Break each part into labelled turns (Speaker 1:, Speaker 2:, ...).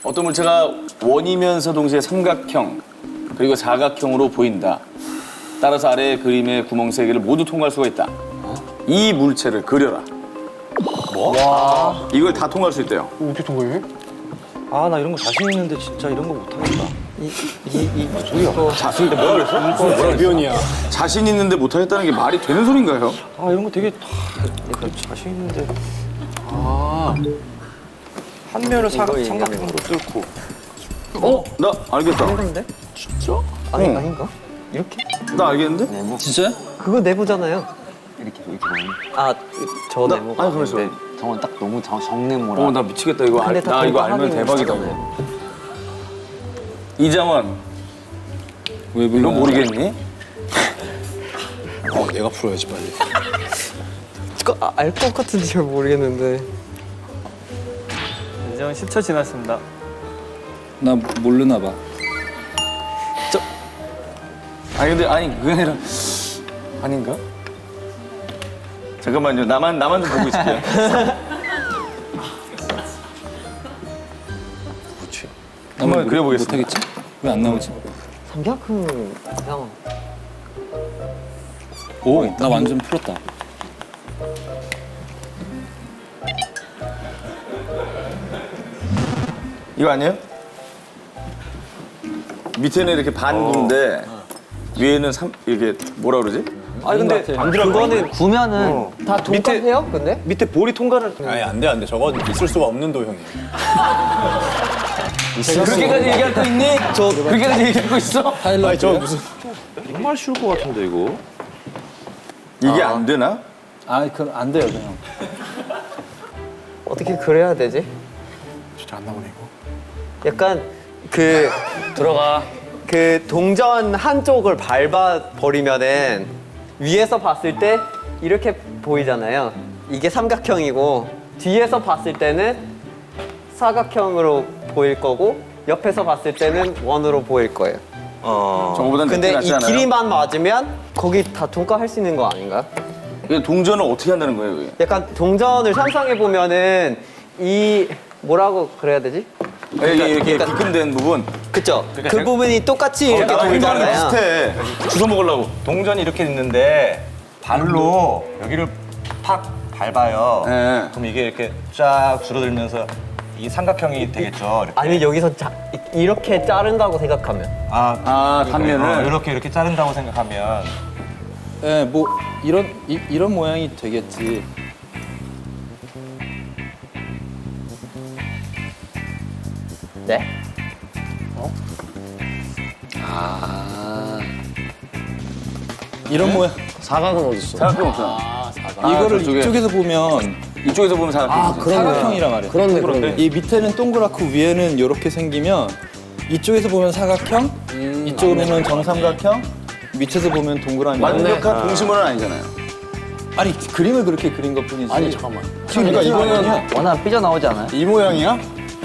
Speaker 1: 어떤 물체가 원이면서 동시에 삼각형 그리고 사각형으로 보인다. 따라서 아래의 그림의 구멍 3개를 모두 통과할 수가 있다. 이 물체를 그려라. 뭐? 와. 이걸 다 통과할 수 있대요.
Speaker 2: 어떻게 통과해?
Speaker 3: 아, 나 이런 거 자신 있는데 진짜 이런 거 못하겠다.
Speaker 1: 자신 있는데 뭐라 그랬어?
Speaker 2: 비언이야.
Speaker 1: 자신 있는데 못하겠다는 게 말이 되는 소린가요?
Speaker 3: 아, 이런 거 되게 약간 자신 있는데. 한 면을 삼각형으로 뚫고.
Speaker 1: 나 알겠다.
Speaker 4: 내부인데?
Speaker 1: 진짜?
Speaker 4: 아닌가? 이렇게?
Speaker 1: 나 알겠는데?
Speaker 5: 네모.
Speaker 1: 진짜야?
Speaker 4: 그거 내부잖아요.
Speaker 5: 이렇게 보면.
Speaker 4: 아, 저 네모가.
Speaker 1: 아니, 가만있어.
Speaker 5: 근데 저건 딱 너무 정내모라.
Speaker 1: 나 미치겠다. 이거
Speaker 4: 근데 다
Speaker 1: 나 이거
Speaker 4: 통과하긴
Speaker 1: 알면 대박이다.
Speaker 4: 하잖아요.
Speaker 1: 이장원.
Speaker 3: 왜
Speaker 1: 이거 모르겠니?
Speaker 2: 내가 풀어야지 빨리.
Speaker 4: 알 것 같은지 잘 모르겠는데.
Speaker 3: 이제 10초 지났습니다. 나 모르나 봐.
Speaker 1: 아니 근데 그게 아니라 아닌가? 잠깐만요. 나만 좀 보고 있을게요. 그렇지. 한번 그려보겠습니다.
Speaker 3: 못하겠지? 왜 안 나오지?
Speaker 4: 삼각형 형.
Speaker 3: 오, 나 완전 풀었다.
Speaker 1: 이거 아니에요? 밑에는 이렇게 반구인데 위에는 이게 뭐라 그러지?
Speaker 4: 아니 근데 그거는 구면은 다 통과해요? 근데?
Speaker 3: 밑에 볼이 통과를.
Speaker 2: 아니 안 돼. 저건 있을 수가 없는 도형이야.
Speaker 1: 그렇게까지 얘기할 거 있니? 그렇게까지 얘기할 거 있어?
Speaker 2: 아니 저 무슨
Speaker 3: 정말 쉬울 것 같은데 이거.
Speaker 1: 이게 안 되나?
Speaker 3: 아, 그럼 안 돼요 그냥.
Speaker 4: 어떻게 그려야 되지?
Speaker 2: 진짜 안 나오네 이거.
Speaker 4: 약간 그 동전 한쪽을 밟아 버리면은 위에서 봤을 때 이렇게 보이잖아요. 이게 삼각형이고 뒤에서 봤을 때는 사각형으로 보일 거고 옆에서 봤을 때는 원으로 보일 거예요.
Speaker 1: 저거보단
Speaker 4: 근데
Speaker 1: 낫지
Speaker 4: 이
Speaker 1: 않아요?
Speaker 4: 길이만 맞으면 거기 다 통과할 수 있는 거 아닌가?
Speaker 1: 이게 동전을 어떻게 한다는 거예요? 그게?
Speaker 4: 약간 동전을 상상해 보면은 이 뭐라고 그래야 되지?
Speaker 1: 이렇게 비금된 부분.
Speaker 4: 그쵸? 그 부분이 똑같이 이렇게
Speaker 1: 나랑
Speaker 4: 돌잖아요.
Speaker 1: 비슷해. 주워 먹으려고.
Speaker 6: 동전이 이렇게 있는데 발로 여기를 팍 밟아요.
Speaker 1: 네.
Speaker 6: 그럼 이게 이렇게 쫙 줄어들면서 이 삼각형이 되겠죠. 이렇게.
Speaker 4: 아니면 여기서 이렇게 자른다고 생각하면
Speaker 1: 단면을.
Speaker 6: 이렇게 자른다고 생각하면
Speaker 3: 네, 뭐 이런 모양이 되겠지.
Speaker 4: 네?
Speaker 3: 이런 모양.
Speaker 2: 사각은 어디 있어?
Speaker 1: 사각형 없잖아.
Speaker 3: 이거를
Speaker 1: 저쪽에.
Speaker 3: 이쪽에서 보면
Speaker 1: 이쪽에서 보면 사각형.
Speaker 3: 사각형이란 말이야.
Speaker 2: 그런데.
Speaker 3: 이 밑에는 동그랗고 위에는 이렇게 생기면 이쪽에서 보면 사각형, 이쪽으로 보면 정삼각형, 밑에서 보면 동그라미.
Speaker 1: 완벽한 동심원은 아니잖아요.
Speaker 3: 아니 그림을 그렇게 그린 것 뿐이지.
Speaker 2: 아니 잠깐만.
Speaker 3: 그러니까 이거는
Speaker 5: 워낙 삐져나오지 않아요?
Speaker 2: 이 모양이야?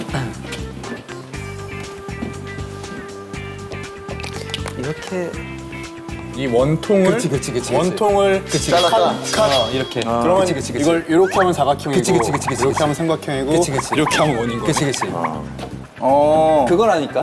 Speaker 4: 이렇게
Speaker 2: 이 원통을
Speaker 3: 그치.
Speaker 2: 원통을
Speaker 1: 잘랐다.
Speaker 3: 이렇게.
Speaker 2: 그러면 이걸 이렇게 하면 사각형이고
Speaker 3: 그치.
Speaker 2: 이렇게 하면 삼각형이고
Speaker 3: 그치.
Speaker 2: 이렇게 하면 원인 거.
Speaker 3: 그치. 그거라니까.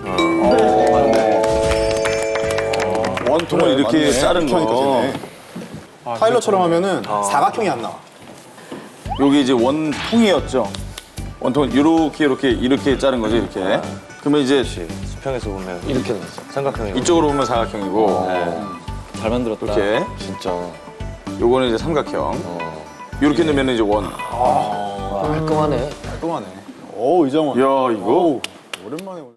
Speaker 1: 원통을 이렇게 자른 거.
Speaker 2: 타일러처럼 하면은 사각형이 안 나와.
Speaker 1: 여기 이제 원통이었죠. 원통은 이렇게 자른 거죠, 이렇게. 그러면 이제
Speaker 6: 수평에서 보면 이렇게 삼각형이
Speaker 1: 이쪽으로 보면 사각형이고,
Speaker 3: 잘 만들었다.
Speaker 1: 이렇게.
Speaker 6: 진짜
Speaker 1: 요거는 이제 삼각형. 이렇게 넣으면 이제 원.
Speaker 5: 깔끔하네.
Speaker 2: 깔끔하네. 오 이정원.
Speaker 1: 야, 이거.
Speaker 2: 오랜만에.